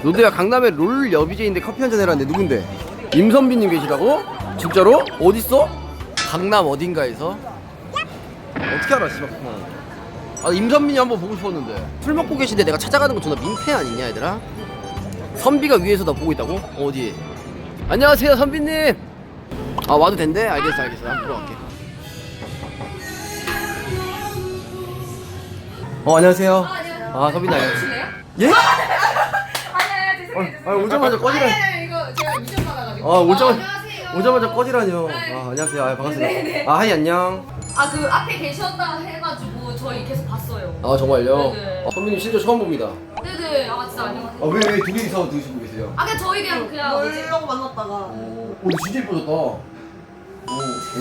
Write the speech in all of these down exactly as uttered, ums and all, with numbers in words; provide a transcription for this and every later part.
노드야 강남에 롤 여비제인데 커피 한잔 해라는데 누군데? 임선비님 계시다고? 진짜로? 어딨어? 강남 어딘가에서? 어떻게 알아 씨발. 아 임선빈이 한번 보고 싶었는데. 술 먹고 계신데 내가 찾아가는 거 존나 민폐 아니냐 얘들아? 선비가 위에서 나 보고 있다고? 어디? 안녕하세요 선비님. 아 와도 된대? 알겠어 알겠어. 한번 들어갈게. 어 안녕하세요. 아 선비님 안녕하세요. 예? 아니 아니 죄송해요. 아 오자마자 꺼지라. 아니 아니 이거 제가 미션 받아가지고. 아 오자마자 안녕하세요. 오자마자 꺼지라뇨. 네. 아 안녕하세요. 아 반갑습니다. 네네. 아 하이 안녕. 아 그 앞에 계셨다 해가지고 저희 계속 봤어요. 아 정말요? 네네. 아, 선비님 실제 처음 봅니다. 네네. 아 진짜 안녕하세요. 아왜 왜 둘이서 드시고 계세요? 아 그냥 저희 그냥 그냥 뭐지? 놀려고 만났다가 오, 오 진짜 예뻐졌다. 오, 오.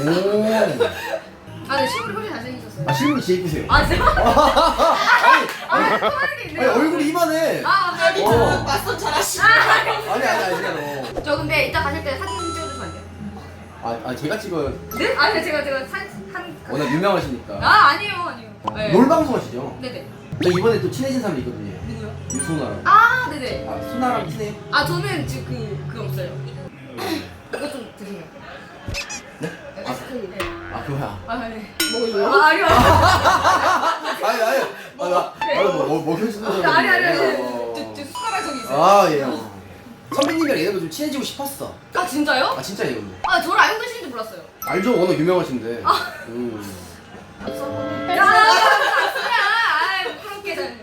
아 네 실물이 훨씬 잘생기셨어요. 아 실물이 진짜 예쁘세요. 아 진짜? 아니, 아 아니, 그만한 게 아니 있네요. 얼굴이 이만해. 아 아니 네. 어. 맞선 잘하시고 아니 아니 아니잖아. 저 근데 이따 가실 때 사진 찍어주시면 안 돼요? 아, 아 제가 찍어요. 네? 아니 제가 제가 한한 워낙 유명하시니까. 아 아니에요 아니에요. 네. 롤 방송하시죠? 네네. 저 이번에 또 친해진 사람이 있거든요. 누구요? 유소나랑. 아 네네. 아 소나랑 친해요? 아 저는 지금 그 그거 없어요. 이거 좀 드세요. 네? 아, 아이스크림. 네. 아 그거야. 아 네. 뭐예요? 아 아니요. 아니 아니. 아, 나, 네. 아, 뭐, 뭐, 뭐 현실도 아니 아니 아니. 아니. 어. 저, 저 숟가락 저기 있어요. 아 예. 선배님이랑 얘네도 좀 친해지고 싶었어. 아 진짜요? 아 진짜 이거. 아 저를 알고 계시는지 몰랐어요. 알죠? 워낙 유명하신데. 아. 음. 야, 아, 부끄럽게 잘.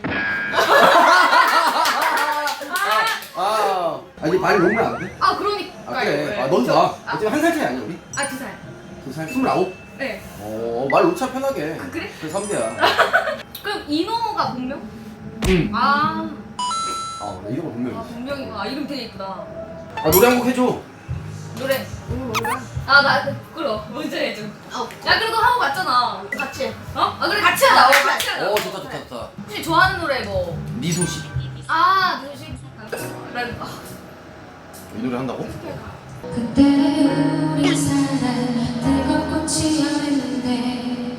아, 아 이제 말이 놓으면 안 돼? 아 그러니까요. 아 그래. 네. 아 너도 나. 아, 어차피 한 살 차이 아니야 우리? 아 두 살. 두 살, 스물아홉. 네. 어, 말 놓자 편하게. 아, 그래? 그래 선배야. 그럼 인호가 본명? 응. 아, 아, 나 이런 거 아 분명히. 본명이구나. 아, 이름 되게 이쁘다. 아 노래 한 곡 해줘. 노래. 아, 나 부끄러워. 먼저 해줘. 야, 그래도 하고 갔잖아. 같이 해. 어? 아, 그래 같이 하자. 어, 같이 하자. 어 좋다 좋다 좋다. 혹시 좋아하는 노래 뭐? 미소 씨. 아, 누구시? 난 아, 이 노래 한다고? 그때 우리 사랑 뜨겁고 치열했는데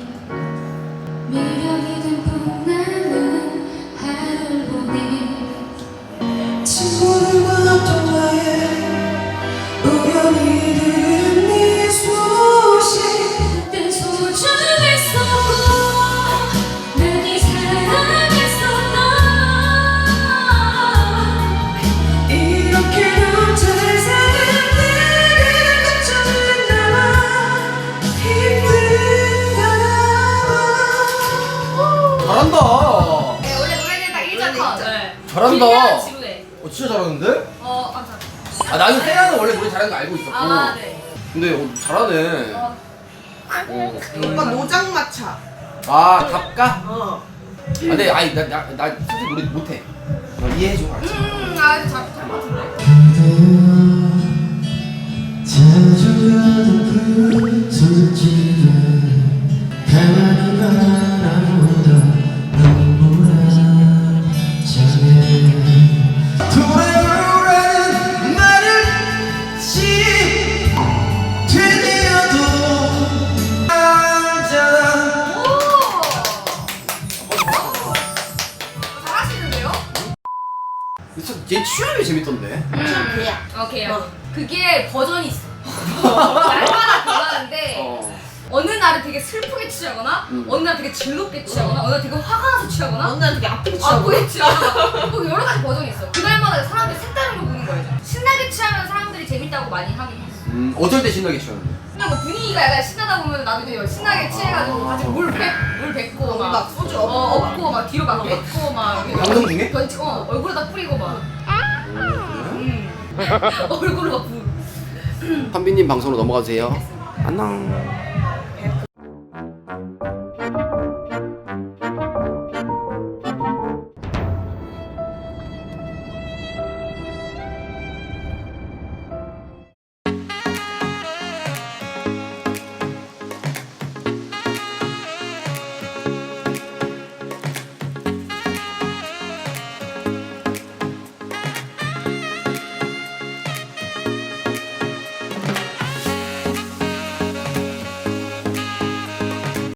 미련이 든 봄나는 하루를 보내 친구들과 통화에 우연히 들은 네 소식 그땐 소중했었고 많이 사랑했었던 이렇게도 잘 사는 내가 걱정했나 봐 힘든가 봐 잘한다. 네, 원래 노래는 딱 일 절 컷. 네. 잘한다. 길면 지루해. 어 진짜 잘하는데? 어, 감사합니다. 아 나는 세라는 원래 노래 잘하는 거 알고 있었고. 아, 네. 근데 어, 잘하네. 어. 어. 오빠 노장마차 아 답가? 어 아 근데 아니 나나 나, 나 솔직히 노래 못해. 어, 이해해줘 알지? 음, 아, 잘, 잘 맞는데. 자주 가던 그 소리지가 가만히 바라보다 눈물아 장애 돌아오라는 말을 지 되뇌어도 알잖아 오! 잘하시는데요? 진짜 얘 취향이 재밌던데. 참 개야 오케이. 어. 그게 버전이 있어. 날마다 변하는데 어. 어느 날은 되게 슬프게 취하거나 음. 어느 날 되게 즐겁게 취하거나 어느 날 되게 화가 나서 취하거나 어느 날 되게 아프게 취하고 아프게 취하거나 뭐 여러 가지 버전이 있어. 그날마다 사람들이 색다른 걸 보는 거예요. 신나게 취하면 사람들이 재밌다고 많이 하긴 했어. 음 어쩔 때 신나게 취하는데. 그냥 뭐 분위기가 약간 신나다 보면 나도 이제 신나게 취해가지고 같이 물 뱉, 물 뱉고 막, 막 소주 어, 엎고 엎고 막 뒤로 막 뱉고 막 이렇게 방송 중에? 던지고 어, 얼굴에다 뿌리고 막 음. 얼굴을 막 부. 선비님 방송으로 넘어가주세요. 안녕.